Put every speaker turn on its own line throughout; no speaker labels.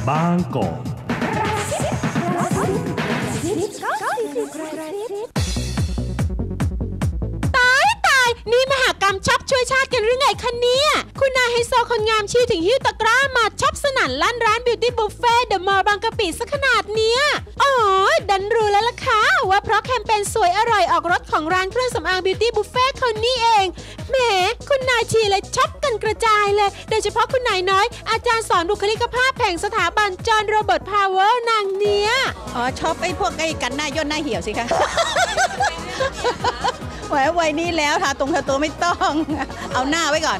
บางกอก
นี่มหากรรมช็อปช่วยชาติกันหรือไงคะเนี่ยคุณนายไฮโซคนงามชี้ถึงหิ้วตะกร้ามาช็อปสนั่นลั่นร้านบิวตี้บุฟเฟ่เดอะมอลล์บางกะปิซะขนาดเนี้ยอ๋อดันรู้แล้วล่ะค่ะว่าเพราะแคมเปญสวยอร่อยออกรถของร้านเครื่องสำอางบิวตี้บุฟเฟ่คนนี้เองแหมคุณนายชีเลยช็อปกันกระจายเลยโดยเฉพาะคุณนายน้อยอาจารย์สอนบุคลิกภาพแห่งสถาบันจอห์นโรเบิร์ตพาวเวอร์นางเนี้ย
อ๋อช็อปไอ้พวกไอ้กันหน้าย่นหน้าเหี่ยวสิคะวัยนี้แล้วทาตรงทาตัวไม่ต้องเอาหน้าไว้ก่อน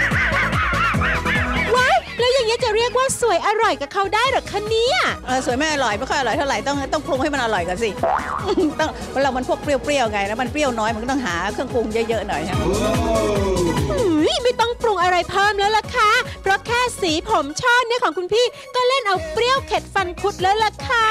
ว้ายแล้วอย่างนี้จะเรียกว่าสวยอร่อยกับเขาได้หรอคะเนี่ย
สวยไม่อร่อยไม่ค่อยอร่อยเท่าไหร่ต้องปรุงให้มันอร่อยก่อนสิต้องเรามันพวกเปรี้ยวๆไงแล้วมันเปรี้ยวน้อยมันก็ต้องหาเครื่องปรุงเยอะๆหน่อย
ไม่ต้องปรุงอะไรเพิ่มแล้วล่ะค่ะเพราะแค่สีผมช่อเนี่ยของคุณพี่ก็เล่นเอาเปรี้ยวเข็ดฟันคุดแล้วล่ะค่ะ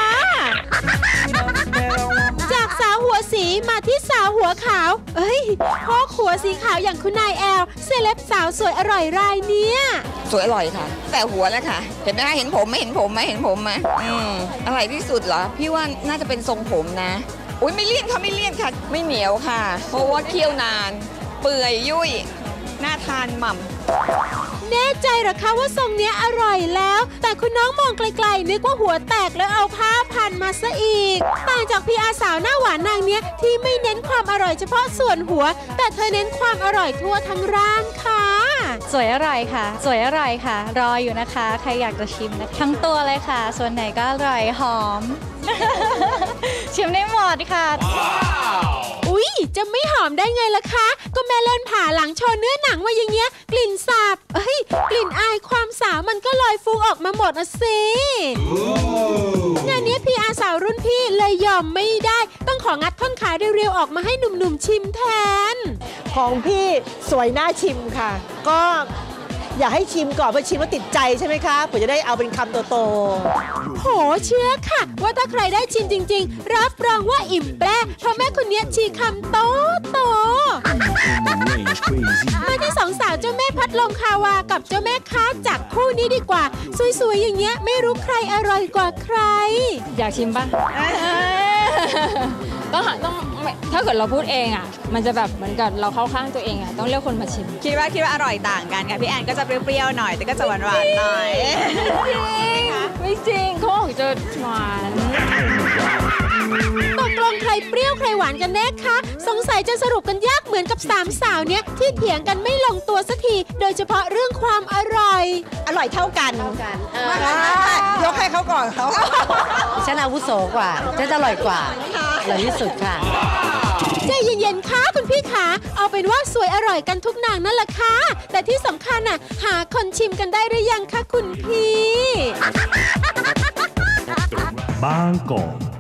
จากสาวหัวสีมาที่สาวหัวขาวพ่อหัวสีขาวอย่างคุณนายแอลเซเลบสาวสวยอร่อยรายเนี้ย
สวยอร่อยค่ะแต่หัวแล้วค่ะเห็นไหมคะเห็นผมไหมเห็นผมไหมเห็นผมไหมอร่อยที่สุดเหรอพี่ว่าน่าจะเป็นทรงผมนะอุ้ยไม่เลี่ยนค่ะไม่เลี่ยนค่ะไม่เหนียวค่ะเพราะว่าเคี่ยวนานเปื่อยยุ่ยน่าทานหม่ำ
แน่ใจหรอคะว่าทรงเนี้ยอร่อยแล้วแต่คุณน้องมองไกลๆนึกว่าหัวแตกแล้วเอาผ้าพันมาซะอีกต่างจากพี่อาสาวหน้าหวานนางเนี้ยที่ไม่เน้นความอร่อยเฉพาะส่วนหัวแต่เธอเน้นความอร่อยทั่วทั้งร่างค่ะ
สวยอร่อยค่ะสวยอร่อยค่ะรออยู่นะคะใครอยากจะชิมนะทั้งตัวเลยค่ะส่วนไหนก็อร่อยหอม ชิมได้หมดค่ะ
อุ๊ยจะไม่หอมได้ไงล่ะคะก็แม่เล่นผ่าหลังโชว์เนื้อหนังมาอย่างเงี้ยกลิ่นสาบกลิ่นอายความสาวมันก็ลอยฟุ้งออกมาหมดสิงานนี้พี่อาสาวรุ่นพี่เลยยอมไม่ได้ต้องของัดท่อนขาเรียวๆออกมาให้หนุ่มๆชิมแทน
ของพี่สวยน่าชิมค่ะก็อยากให้ชิมก่อนเพราะชิมแล้วติดใจใช่ไหมคะผมจะได้เอาเป็นคำโต
ๆโหเชื่อค่ะว่าถ้าใครได้ชิมจริงๆรับรองว่าอิ่มแปร่เพราะแม่คนนี้ชีคำโตมาที่สองสาวเจ้าแม่พัดลมคาวากับเจ้าแม่ค้าจากคู่นี้ดีกว่าสวยๆอย่างเงี้ยไม่รู้ใครอร่อยกว่าใคร
อยากชิมป่ะต้องถ้าเกิดเราพูดเองอ่ะมันจะแบบเหมือนกับเราเข้าข้างตัวเองอ่ะต้องเรียกคนมาชิม
คิดว่าอร่อยต่างกันค่ะพี่แอนก็จะเปรี้ยวๆหน่อยแต่ก็จะหวานๆหน่อย
ไม่จริงเขาบอกจะหวาน
ตกลงใครเปรี้ยวใครหวานกันแน่คะสงสัยจะสรุปกันยากเหมือนกับสามสาวเนี้ยที่เถียงกันไม่ลงตัวสักทีโดยเฉพาะเรื่องความอร่อย
เท่ากันยกให้เขาก่อนเขา
ฉันอาวุโสกว่าฉันอร่อยกว่าอร่อยที่สุดค่ะ
ใจเย็นๆค่ะคุณพี่ขาเอาเป็นว่าสวยอร่อยกันทุกนางนั่นแหละค่ะแต่ที่สำคัญน่ะหาคนชิมกันได้หรือยังคะคุณพี่
บางกอก